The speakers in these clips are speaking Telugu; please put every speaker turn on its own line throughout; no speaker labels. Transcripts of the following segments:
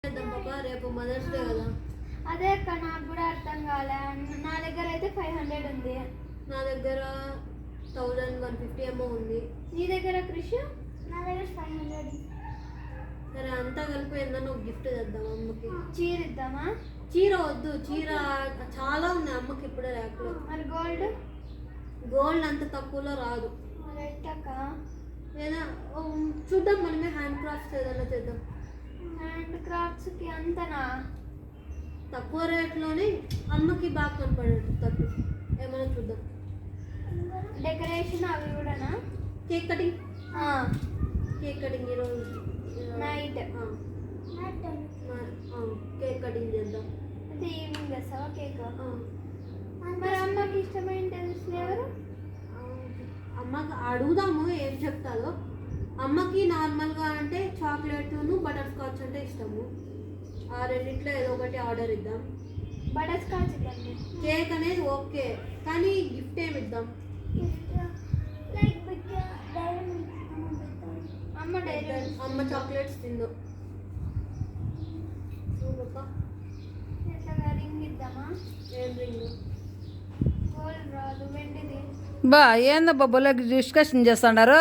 రేపు మదర్స్ డే కదా.
అదే అక్క, నాకు కూడా అర్థం కాలే. నా దగ్గర అయితే 500 ఉంది.
నా దగ్గర 1150 ఏమో ఉంది.
నీ దగ్గర కృషి? నా దగ్గర 500.
సరే, అంతా కలిపి ఏదన్నా ఒక గిఫ్ట్ చేద్దాం అమ్మకి.
చీర ఇద్దామా?
చీర వద్దు, చీర చాలా ఉంది అమ్మకి ఇప్పుడే ర్యాక్లో.
మరి గోల్డ్?
గోల్డ్ అంత తక్కువలో రాదు. లేదా చూద్దాం, మనమే హ్యాండ్ క్రాఫ్ట్స్ ఏదైనా చేద్దాం.
హ్యాండ్ క్రాఫ్ట్స్కి అంతనా?
తక్కువ రేట్లోనే అమ్మకి బాగా కనపడేటట్టు ఏమైనా చూద్దాం.
డెకరేషన్ అవి కూడానా?
Cake cutting. కేక్ కటింగ్ ఈరోజు
నైట్.
కేక్ కటింగ్ చేద్దాం.
అయితే ఈవినింగ్ చేస్తావా కేక్? మరి అమ్మకి ఇష్టమైన ఫ్లేవర్?
అమ్మకి అడుగుదాము ఏం చెప్తారో. అమ్మకి నార్మల్గా అంటే చాక్లెట్ను బటర్ స్కాచ్ అంటే ఇష్టము. ఆ రెండిట్లో ఏదో ఒకటి ఆర్డర్ ఇద్దాం.
బటర్ స్కాచ్ ఇద్దాం.
కేక్ అనేది ఓకే, కానీ గిఫ్ట్ ఏమి ఇద్దాం? అమ్మ చాక్లెట్స్ తిందో.
రింగ్ ఇద్దామా?
ఏం రింగ్?
గోల్డ్ రాదు, వెండిది.
బా ఏందబ్బా బొల్ల డిస్కషన్ చేస్తున్నారు?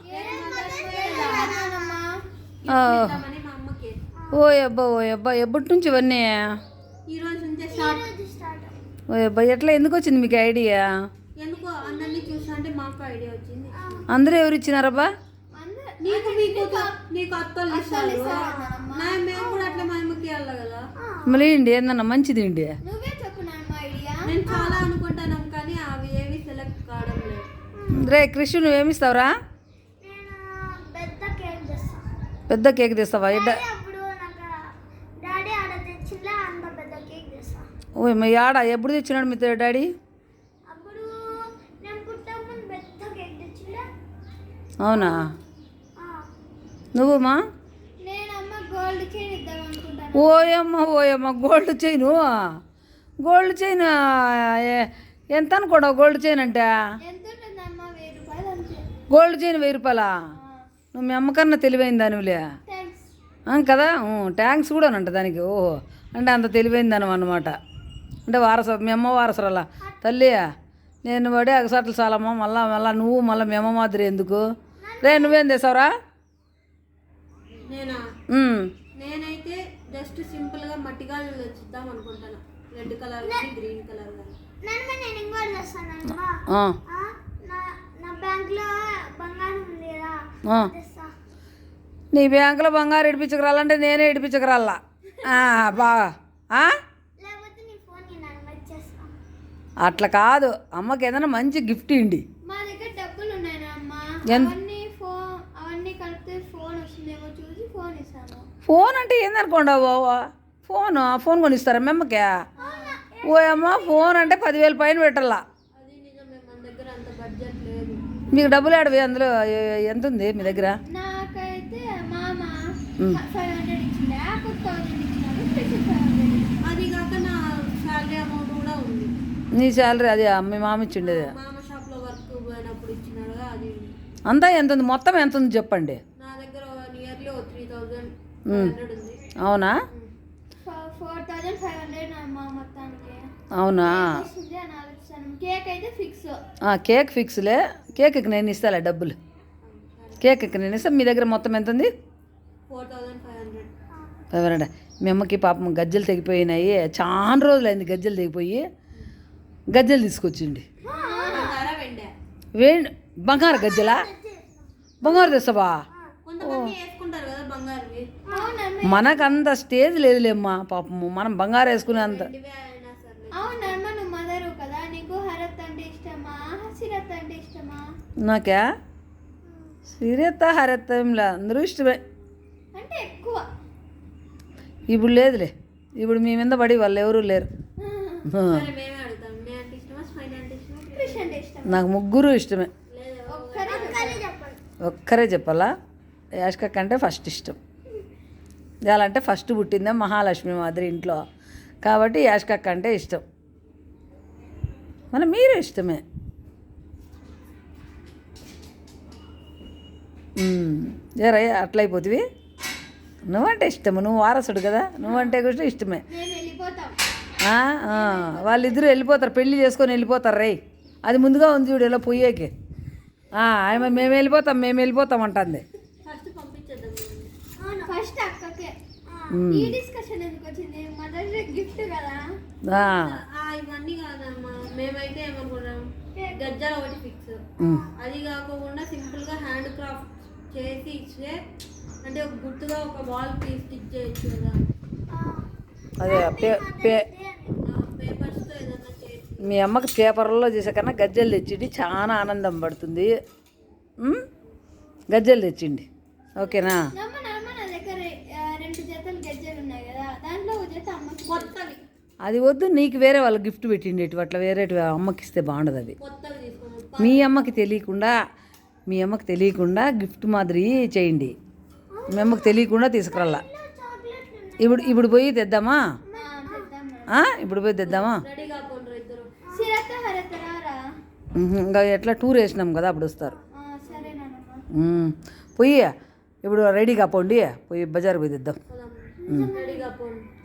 ఓ అబ్బా ఎప్పటి నుంచి ఇవన్నీ?
ఈ రోజు నుంచే స్టార్ట్.
ఓ అబ్బా, ఎట్లా ఎందుకు వచ్చింది మీకు ఐడియా?
ఎందుకో అందరినీ చూసా అంటే మాకు ఐడియా వచ్చింది.
అందరూ ఎవరు ఇచ్చినారబ్బా?
నీకు అత్తలు ఇస్తారు, మేము కూడా అట్లా మా అమ్మకి ఇవ్వాలి కదా.
మళ్ళీ ఇండి ఏందన్నా మంచిది ఇండి.
నువ్వే చెప్పు ఐడియా.
నేను చాలా అనుకుంటాను కానీ అవి ఏవి సెలెక్ట్ కావడం లేదు.
రే కృష్ణ, నువ్వేమిస్తావురా? పెద్ద కేక్ తెస్తావా? ఓ మీ ఆడ ఎప్పుడు తెచ్చినాడు మీ డాడీ? అవునా? నువ్వు మా? ఓయమ్మ గోల్డ్ చైన్ ఎంత అనుకోవడం? గోల్డ్ చైన్ అంటే గోల్డ్ చైన్ 1000 రూపాయలా? నువ్వు మీ అమ్మకన్నా తెలివైన దానివిలే కదా. ట్యాంక్స్ కూడా అంట దానికి. ఓహో, అంటే అంత తెలివైన దాని అన్నమాట. అంటే మీ అమ్మ వారసురాలా తల్లి? నేను పడే అగసాట్లు చాలమ్మా. మళ్ళా నువ్వు మీ అమ్మ మాదిరి ఎందుకు? రే నువ్వేం చేసావురా?
నేనైతే జస్ట్ సింపుల్ గా మట్టి గాజులు తెచ్చిద్దాం అనుకుంటాను. Red colour green colour.
నీ బ్యాంకులో బంగారు ఇడిపించకరాలంటే నేనే ఇడిపించకరాలా బాగా. అట్లా కాదు, అమ్మకి ఏదైనా మంచి గిఫ్ట్ ఇండి.
మా దగ్గర డబ్బులు ఉన్నాయి అవన్నీ కలిపితే ఫోన్ వస్తుందేమో చూసి ఫోన్ ఇస్తాను.
ఫోన్ అంటే ఏందనుకోండి ఫోన్ కొనిస్తారా మెమ్మకి? ఓ అమ్మ, ఫోన్ అంటే 10,000 పైన పెట్టాలా. మీకు డబ్బులు ఆడవి అందులో ఎంత ఉంది మీ దగ్గర?
నాకైతే మామ 500 ఇచ్చిండే, 1000 ఇచ్చినాడు.
అది కాక నా శాలరీ అమౌంట్ కూడా ఉంది.
నీ శాలరీ అది మీ మామ ఇచ్చిండేది?
మామ షాప్లో వర్క్ పోయినప్పుడు ఇచ్చినాడు. అది
అంతా ఎంత ఉంది? మొత్తం ఎంత ఉంది చెప్పండి.
నా దగ్గర నియర్లీ 3,500 ఉంది.
అవునా?
4,500 మా మొత్తానికి.
అవునా?
కేక్ అయితే ఫిక్స్.
కేక్ ఫిక్స్లే. కేక్కి నేను ఇస్తాలే డబ్బులు. కేక్కి నేను ఇస్తాను. మీ దగ్గర మొత్తం ఎంత ఉంది?
4,500.
మీ అమ్మకి పాపం గజ్జలు తెగిపోయినాయి. చాలా రోజులైంది గజ్జలు తెగిపోయి. గజ్జలు తీసుకొచ్చిండి. బంగారు గజ్జలా? బంగారు తెస్తావా? మనకు అంత స్టేజ్ లేదులేమ్మా పాపము. మనం బంగారు వేసుకునే అంత. నాకా సిరత హరత ఏంలా, అందరూ ఇష్టమే.
అంటే ఎక్కువ
ఇప్పుడు లేదులే. ఇప్పుడు మీ మీద పడి వాళ్ళు ఎవరూ లేరు. నాకు ముగ్గురు ఇష్టమే. ఒక్కరే చెప్పాలా? యాష్కక్క అంటే ఫస్ట్ ఇష్టం. ఇవాళంటే ఫస్ట్ పుట్టిందే మహాలక్ష్మి మాదిరి ఇంట్లో కాబట్టి యాష్కక్క అంటే ఇష్టం. మన మీరు ఇష్టమే. ఏరయ్య అట్లయిపోతుంది. నువ్వంటే ఇష్టము, నువ్వు వారసుడు కదా, నువ్వంటే కూడా ఇష్టమే.
మేము వెళ్ళిపోతాం.
వాళ్ళిద్దరూ వెళ్ళిపోతారు, పెళ్లి చేసుకొని వెళ్ళిపోతారు రే. అది ముందుగా ఉంది చూడు ఇలా పొయ్యేకి. ఆమె మేము వెళ్ళిపోతాం అంటుంది.
ఫస్ట్ పంపించేద్దాం.
ఫస్ట్ అక్కకే. ఈ డిస్కషన్ ఎందుకు వచ్చింది? మదర్ డే గిఫ్ట్ కదా.
ఇవన్నీ కాదమ్మా, మేమైతే ఏమనుకున్నాం గజ్జాలు ఒకటి ఫిక్స్. అది కాకుండా సింపుల్ గా హ్యాండ్ క్రాఫ్ట్ చేసి ఇచ్చే, అంటే ఒక గుర్తుగా ఒక వాల్ పీస్ స్టిచ్ చేయొచ్చు కదా.
అదే
పేపర్స్ తో ఏదన్నా చేసి
మీ అమ్మకి పేపర్లో చేసే కన్నా గజ్జలు తెచ్చిండి, చాలా ఆనందం పడుతుంది. గజ్జలు తెచ్చిండి, ఓకేనా?
నా దగ్గర 2 జతలు గజ్జలు ఉన్నాయి కదా, దాంట్లో ఒక జత అమ్మకి
కొత్తవి.
అది వద్దు, నీకు వేరే వాళ్ళు గిఫ్ట్ పెట్టిండేటి అట్లా వేరే అమ్మకి ఇస్తే బాగుండదు. అది
కొత్తవి తీసుకోండి.
మీ అమ్మకి తెలియకుండా గిఫ్ట్ మాదిరి చేయండి. మీ అమ్మకి తెలియకుండా తీసుకురాలా. ఇప్పుడు పోయి తెద్దామా? ఇప్పుడు పోయి తెద్దామా?
రెడీగా పోండ్రు ఇద్దరు.
సిరత హరత రారా?
ఇంకా ఎట్లా టూర్ వేసినాం కదా, అప్పుడు వస్తారు.
సరేనా?
పోయి ఇప్పుడు రెడీగా పోండి, పోయి బజార్ పోయి తెద్దాం.
రెడీగా పోండి.